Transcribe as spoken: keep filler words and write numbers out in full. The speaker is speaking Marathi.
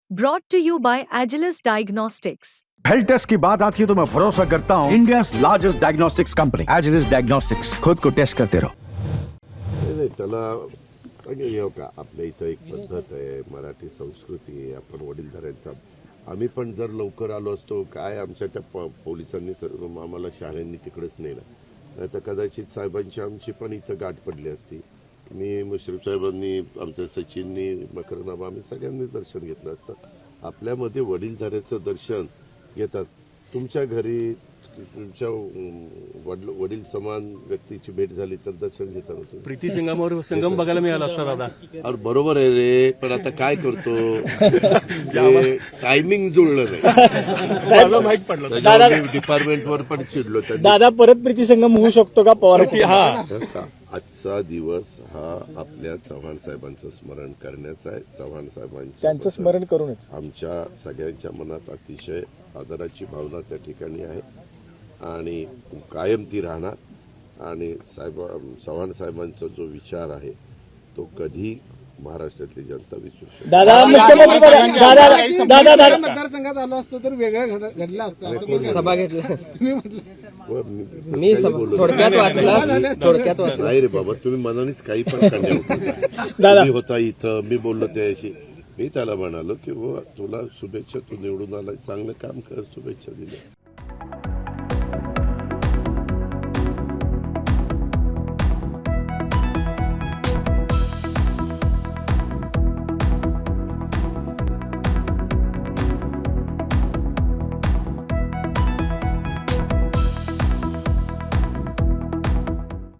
Brought to you by Agilus Diagnostics. Health test की बात आती है तो मैं भरोसा करता हूँ India largest diagnostics company Agilus diagnostics. खुद को टेस्ट करते रहो। नाही त्याला म्हणजे हे का आपल्या इथं एक पद्धत आहे, मराठी संस्कृती आहे, आपण वडीलधाऱ्यांचा आम्ही पण जर लवकर आलो असतो काय आमच्या त्या प- पोलिसांनी सर्व आम्हाला शाळांनी तिकडेच नेलं नाही तर कदाचित साहेबांची आमची पण इथं गाठ पडली असती। मी मुश्रीफ साहेबांनी आमच्या सचिननी मकरनाम आम्ही सगळ्यांनी दर्शन घेतलं असतं। आपल्यामध्ये वडीलधाऱ्याचं दर्शन घेतात। तुमच्या घरी तुमच्या वडील वडील समान व्यक्तीची भेट झाली तर दर्शन घेताना तुम्ही प्रीती संगमावर संगम बघायला मिळाला असता दादा। अरे बरोबर आहे रे, पण आता काय करतो जे टायमिंग जुळलं नाही मला माहित पडलं दादा डिपार्टमेंटवर पण चिडलो त्यांनी। दादा परत प्रीती संगम होऊ शकतो का पवार? हा बरं का? आजचा दिवस हा आपल्या चव्हाण साहेबांचं स्मरण करण्याचा आहे। चव्हाण साहेबांचं त्यांचं स्मरण करूनच आमच्या सगळ्यांच्या मनात अतिशय आदराची भावना त्या ठिकाणी आहे आणि कायम ती राहणार। आणि साहेब चव्हाण साहेबांचा जो विचार आहे तो कधी महाराष्ट्रातली जनता विसरू शकते। दादा मुख्यमंत्री पद- दादा दादा दादा मतदारसंघात आलो असतो तर वेगळं घड- घडलं असतं असं बोलला. सभा घेतला तुम्ही म्हटलं व मी- मी काही सभा- बोललो थोडक्यात नाही. वाचला थोडक्यात वाचला नाही रे बाबा, तुम्ही मनानेच काही पण करण्या दादा. मी होता इथं, मी बोललो त्याशी, मी त्याला म्हणालो की बुवा तुला शुभेच्छा, तू निवडून आला, चांगलं काम कर, शुभेच्छा दिल्या।